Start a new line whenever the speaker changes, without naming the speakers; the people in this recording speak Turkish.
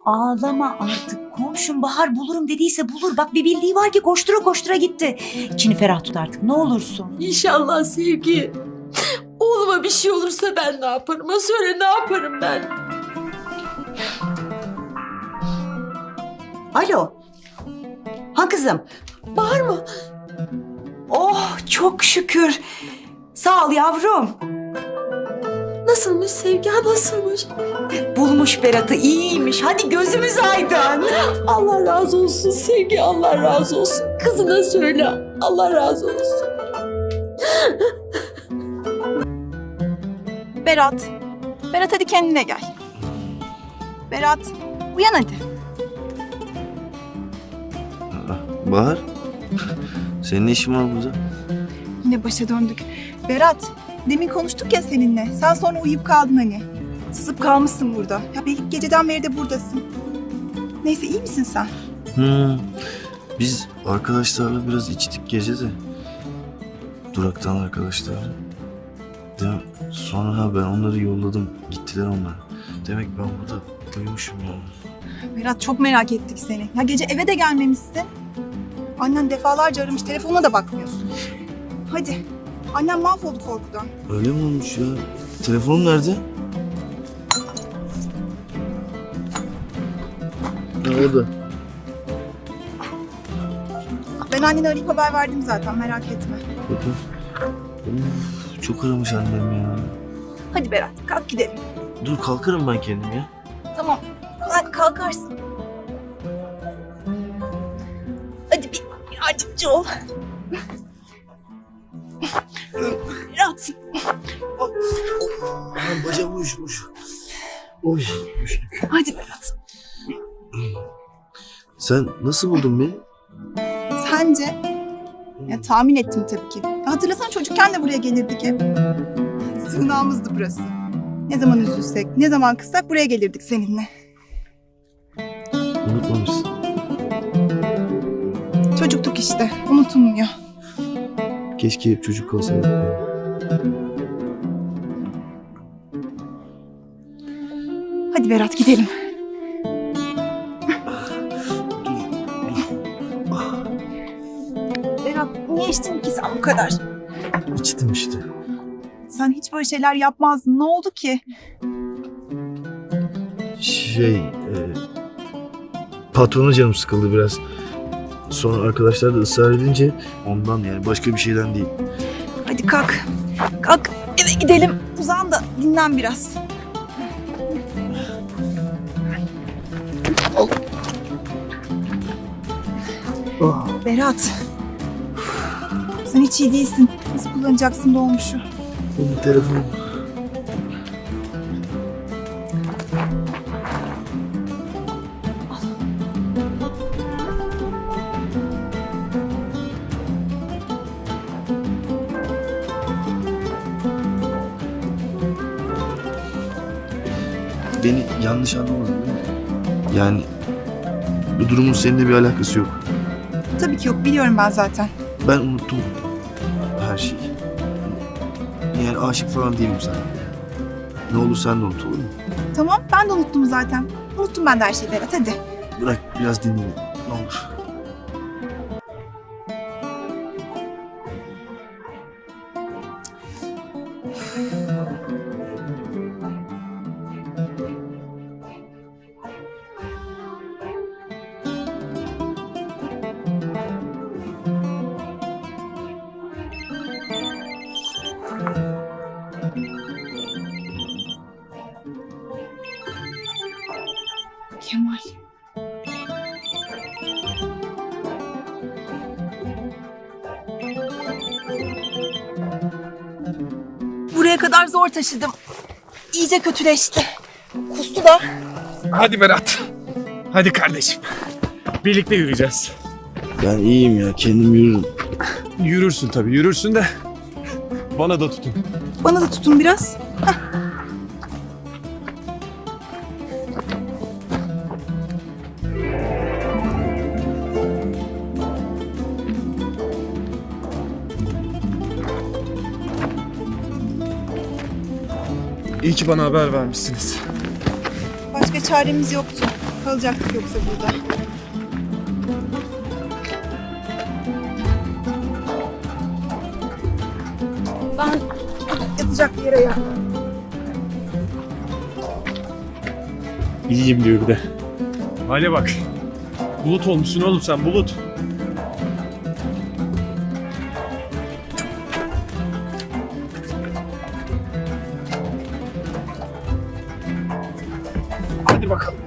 Ağlama artık. Komşum Bahar bulurum dediyse bulur. Bak bir bildiği var ki koştura koştura gitti. İçini ferah tut artık ne olursun.
İnşallah Sevgi. Oğluma bir şey olursa ben ne yaparım? Ha söyle ne yaparım ben?
Alo. Ha kızım.
Bahar mı?
Oh çok şükür. Sağ ol yavrum.
Nasılmış Sevgi? Ha nasılmış?
Bulmuş Berat'ı iyiymiş. Hadi gözümüz aydın.
Allah razı olsun Sevgi, Allah razı olsun. Kızına söyle, Allah razı olsun.
Berat. Berat hadi kendine gel. Berat uyan hadi.
Bahar, senin ne işin var burada?
Yine başa döndük. Berat demin konuştuk ya seninle. Sen sonra uyuyup kaldın hani. Sızıp kalmışsın burada. Ya belki geceden beri de buradasın. Neyse iyi misin sen?
Biz arkadaşlarla biraz içtik gece de. Duraktan arkadaşlarla. Sonra ben onları yolladım. Gittiler onlar. Demek ben burada uyumuşum ya.
Berat çok merak ettik seni. Ya gece eve de gelmemişsin. Annen defalarca aramış. Telefonuna da bakmıyorsun. Hadi. Annem mahvoldu korkudan.
Öyle mi olmuş ya? Telefonum nerede? Ha, orada.
Ben annene arayıp haber verdim zaten merak etme.
Bakın. Çok aramış annem ya.
Hadi Berat kalk gidelim.
Dur kalkarım ben kendim ya.
Tamam. Hadi kalkarsın. Hadi bir yardımcı ol. Berat.
Bacağım uyuşmuş. Oy düştük.
Hadi Berat.
Sen nasıl buldun beni?
Sence? Ya tahmin ettim tabii ki. Ya hatırlasan çocukken de buraya gelirdik hep. Sığınağımızdı burası. Ne zaman üzülsek, ne zaman kızsak buraya gelirdik seninle.
Unutmamışsın.
Çocuktuk işte, unutulmuyor.
Keşke hep çocuk kalsaydık.
Hadi Berat gidelim. Berat niye içtin ki sen bu kadar?
İçtim işte.
Sen hiç böyle şeyler yapmazdın. Ne oldu ki?
Patrona canım sıkıldı biraz. Sonra arkadaşlar da ısrar edince ondan yani başka bir şeyden değil.
Hadi kalk. Kalk eve gidelim. Uzan da dinlen biraz. Berat. Sen hiç iyi değilsin. Nasıl kullanacaksın dolmuşu?
Benim telefonum. Beni yanlış anlamadın değil mi? Yani bu durumun seninle bir alakası yok.
Tabii ki yok. Biliyorum ben zaten.
Ben unuttum her şeyi. Yani aşık falan değilim sana. Ne olur sen de unut olur mu?
Tamam ben de unuttum zaten. Unuttum ben de her şeyi Berat hadi.
Bırak biraz dinleyin ne olur.
Kemal. Buraya kadar zor taşıdım. İyice kötüleşti. Kustu da.
Hadi Berat. Hadi kardeşim. Birlikte yürüyeceğiz.
Ben iyiyim ya kendim yürürüm.
Yürürsün tabii yürürsün de. Bana da tutun.
Bana da tutun biraz.
İyi ki bana haber vermişsiniz.
Başka çaremiz yoktu. Kalacaktık yoksa burada. Ben yatacak bir yere ya.
İyiyim diyor bir de. Hale bak. Bulut olmuşsun oğlum sen, bulut. Hadi bakalım.